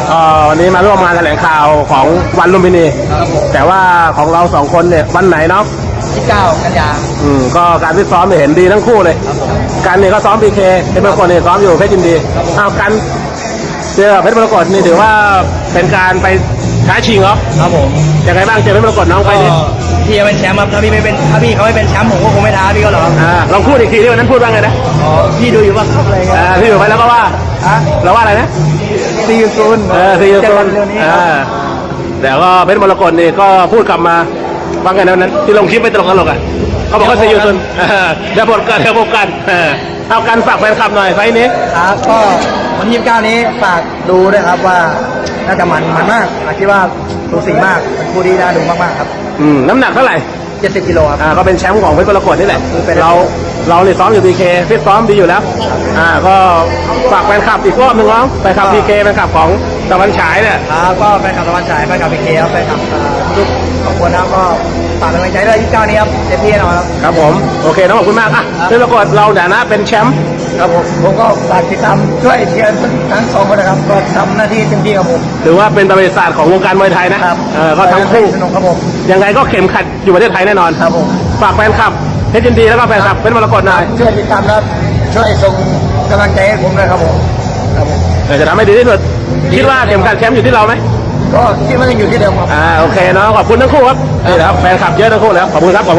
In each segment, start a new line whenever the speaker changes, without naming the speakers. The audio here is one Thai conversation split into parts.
วันนี้มาร่วมงานแถลงข่าวของวันลุมพินีแต่ว่าของเราสองคนเนี่ยวันไหนเนาะ
29 กันยา
ก็การฟิตซ้อมเนี่ยเห็นดีทั้งคู่เลยกันเนี่ยก็ซ้อมพีเคเพชรมรกตเนี่ยซ้อมอยู่เพชรยินดีเอากันเจอเพชรมรกตนี่ถือว่าเป็นการไปท้าชิงเหรอ
ครับผม
ยังไงบ้างเจอเพชรมรกตน้องไปดิ
พี่เป็นแชมป์ครับถ้าพี่เขาไม่เป็นแชมป์ผมก็คงไม่ท้าพี่ก็หรอก
ลองพูดอีกทีที่วันนั้นพูดว่าไงนะ
พี่ดูอยู่ว่าครับอะไรเงี้ย
พี่อยู่ไปแล้วก็ว่าเราว่าอะไรนะ
ซีอูซูน
ซีอูซูนแต่ก็เพชรมรกตนี่ก็พูดกลับมาว่าไงนั้นที่ลงคลิปไม่ตรงกันหรอกเขาบอกว่าซีอูซูนเดี๋ยวพบกันเอากันฝากแฟนคลับหน่อยไฟนี้
ครับก็วันที่29นี้ฝากดูด้วยครับว่าน่าจะมันมากคิดว่าดูสีมากเป็นคู่ที่น่าดูมากๆครับ
น้ำหนักเท่าไหร่
70 กิโลครับ
ก็เป็นแชมป์ของเพชรมรกตนี่แหละเราเนี่ยซ้อมอยู่พีเคฟิตซ้อมดีอยู่แล้วก็ฝากแฟนคลับอีกรอบหนึ่งน้องแฟนคลับพีเคแฟนคลับของตะวันฉายเนี่ย
ก็แฟนคลับตะวันฉายแฟนคลับพีเคครับแฟนคลับทุกคนนะก็ฝากกำลังใจด้วย29นี้ครับเต็มที่แน่นอน
ครับผมโอเคน้องขอบคุณมากเพชรมรกตเราเนี่ยนะเป็นแชมป์
ครับผมก็ฝากติดตามช่วยเชียร์ทั้งสองคนนะครับก็ทำหน้าที่เต็มที่ครับผม
ถือว่าเป็นประวัติศาสตร์ของวงการมวยไทยนะครับก็ทั้งคู่
สนุกครับผม
ยังไงก็เข็มขัดอยู่ประเทศไทยแน่นอน
ครับผม
ฝากแฟนคลับเพชรยินดีแล้วก็แฟนคลับเพชรมรกตหน่อย
ช่วยติดตามครับช่วยส่งกำลังใจให้ผมด้วยครับผม
จะทำให้ดีที่สุดคิดว่าเข็มขัดแชมป์อยู่ที่เราไหม
ก็คิดว่ายังอยู่ที่เดิมครับ
โอเคเนาะขอบคุณทั้งคู่ครับนี่ครับแฟนคลับเยอะทั้งคู่แล้วขอบคุณครับ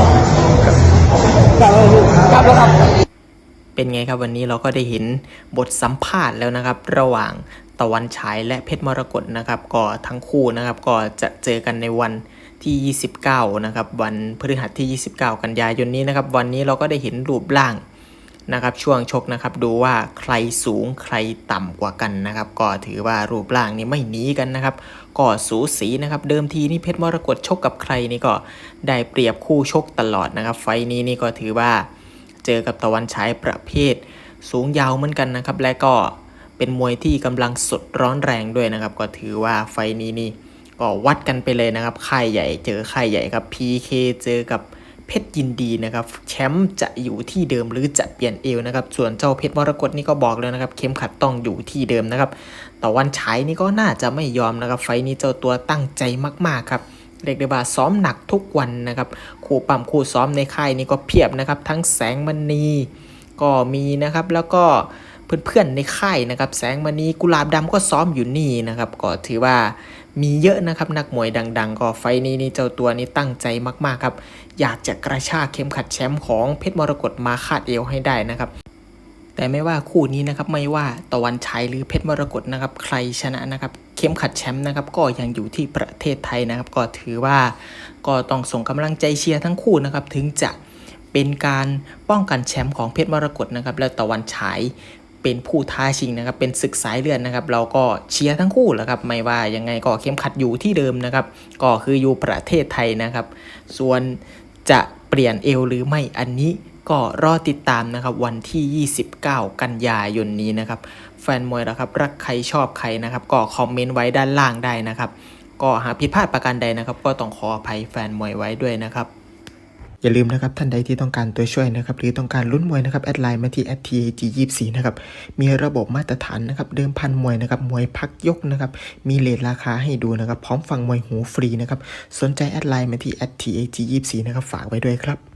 เป็นไงครับวันนี้เราก็ได้เห็นบทสัมภาษณ์แล้วนะครับระหว่างตะวันฉายและเพชรมรกตนะครับก็ทั้งคู่นะครับก็จะเจอกันในวันที่29นะครับวันพฤหัสที่29กันยายนนี้นะครับวันนี้เราก็ได้เห็นรูปร่างนะครับช่วงชกนะครับดูว่าใครสูงใครต่ำกว่ากันนะครับก็ถือว่ารูปร่างนี้ไม่หนีกันนะครับก็สูสีนะครับเดิมทีนี่เพชรมรกตชกกับใครนี่ก็ได้เปรียบคู่ชกตลอดนะครับไฟนี้นี่ก็ถือว่าเจอกับตะวันฉายประเภทสูงยาวเหมือนกันนะครับและก็เป็นมวยที่กำลังสดร้อนแรงด้วยนะครับก็ถือว่าไฟนี้นี่ก็วัดกันไปเลยนะครับค่ายใหญ่เจอค่ายใหญ่ครับ PK เจอกับเพชรยินดีนะครับแชมป์จะอยู่ที่เดิมหรือจะเปลี่ยนเอวนะครับส่วนเจ้าเพชรมรกตนี่ก็บอกเลยนะครับเข็มขัดต้องอยู่ที่เดิมนะครับตะวันฉายนี่ก็น่าจะไม่ยอมนะครับไฟนี้เจ้าตัวตั้งใจมากๆครับเรียกได้ว่าซ้อมหนักทุกวันนะครับคู่ปั๊มคู่ซ้อมในค่ายนี่ก็เพียบนะครับทั้งแสงมณีก็มีนะครับแล้วก็เพื่อนๆในค่ายนะครับแสงมณีกุหลาบดำก็ซ้อมอยู่นี่นะครับก็ถือว่ามีเยอะนะครับนักมวยดังๆก็ไฟนี้นี่เจ้าตัวนี้ตั้งใจมากๆครับอยากจะกระชากเข็มขัดแชมป์ของเพชรมรกตมาคาดเอวให้ได้นะครับแต่ไม่ว่าคู่นี้นะครับไม่ว่าตะวันฉายหรือเพชรมรกตนะครับใครชนะนะครับเข็มขัดแชมป์นะครับก็ยังอยู่ที่ประเทศไทยนะครับก็ถือว่าก็ต้องส่งกำลังใจเชียร์ทั้งคู่นะครับถึงจะเป็นการป้องกันแชมป์ของเพชรมรกตนะครับและตะวันฉายเป็นผู้ท้าชิงนะครับเป็นศึกสายเลือดนะครับเราก็เชียร์ทั้งคู่แหละครับไม่ว่ายังไงก็เข้มขัดอยู่ที่เดิมนะครับก็คืออยู่ประเทศไทยนะครับส่วนจะเปลี่ยนเอวหรือไม่อันนี้ก็รอติดตามนะครับวันที่29กันยายนนี้นะครับแฟนมวยนะครับรักใครชอบใครนะครับก็คอมเมนต์ไว้ด้านล่างได้นะครับก็หากผิดพลาดประการใดนะครับก็ต้องขออภัยแฟนมวยไว้ด้วยนะครับอย่าลืมนะครับท่านใดที่ต้องการตัวช่วยนะครับหรือต้องการลุ้นมวยนะครับแอดไลน์มาที่ @TAG24 นะครับมีระบบมาตรฐานนะครับเดิมพันมวยนะครับมวยพักยกนะครับมีเรทราคาให้ดูนะครับพร้อมฟังมวยหูฟรีนะครับสนใจแอดไลน์มาที่ @TAG24 นะครับฝากไว้ด้วยครับ